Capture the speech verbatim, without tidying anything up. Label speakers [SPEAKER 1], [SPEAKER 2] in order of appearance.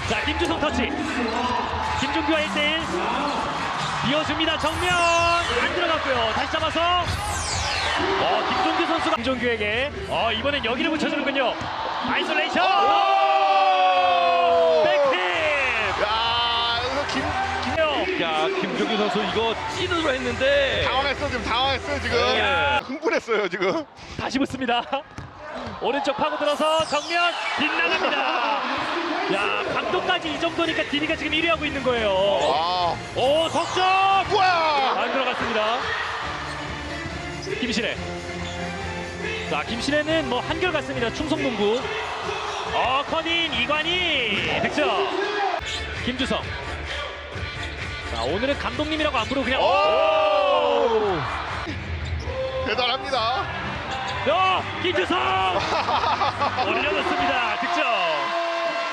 [SPEAKER 1] 자, 김주성 터치. 김종규와 일 대 일. 이어줍니다. 정면 안 들어갔고요. 다시 잡아서 어, 김종규 선수가 김종규에게 어, 이번엔 여기를 붙여주는군요. 아이솔레이션. 백팀.
[SPEAKER 2] 야, 여기서 김, 김
[SPEAKER 3] 야, 김종규 선수 이거 찐으로 했는데
[SPEAKER 2] 당황했어 지금 당황했어요 지금.
[SPEAKER 3] 네.
[SPEAKER 2] 흥분했어요 지금.
[SPEAKER 1] 다시 붙습니다. 오른쪽 파고들어서 정면 빗나갑니다. 야, 감독까지 이 정도니까 디디가 지금 일 위 하고 있는 거예요.
[SPEAKER 2] 아,
[SPEAKER 1] 오, 석점!
[SPEAKER 2] 우와.
[SPEAKER 1] 안 들어갔습니다. 김신혜. 자, 김신혜는 뭐 한결같습니다. 충성농구. 어, 커닝 이관희 득점. 김주성. 자, 오늘은 감독님이라고 안 부르고 그냥 오!
[SPEAKER 2] 대단합니다.
[SPEAKER 1] 어, 김주성 올려놓습니다. 득점.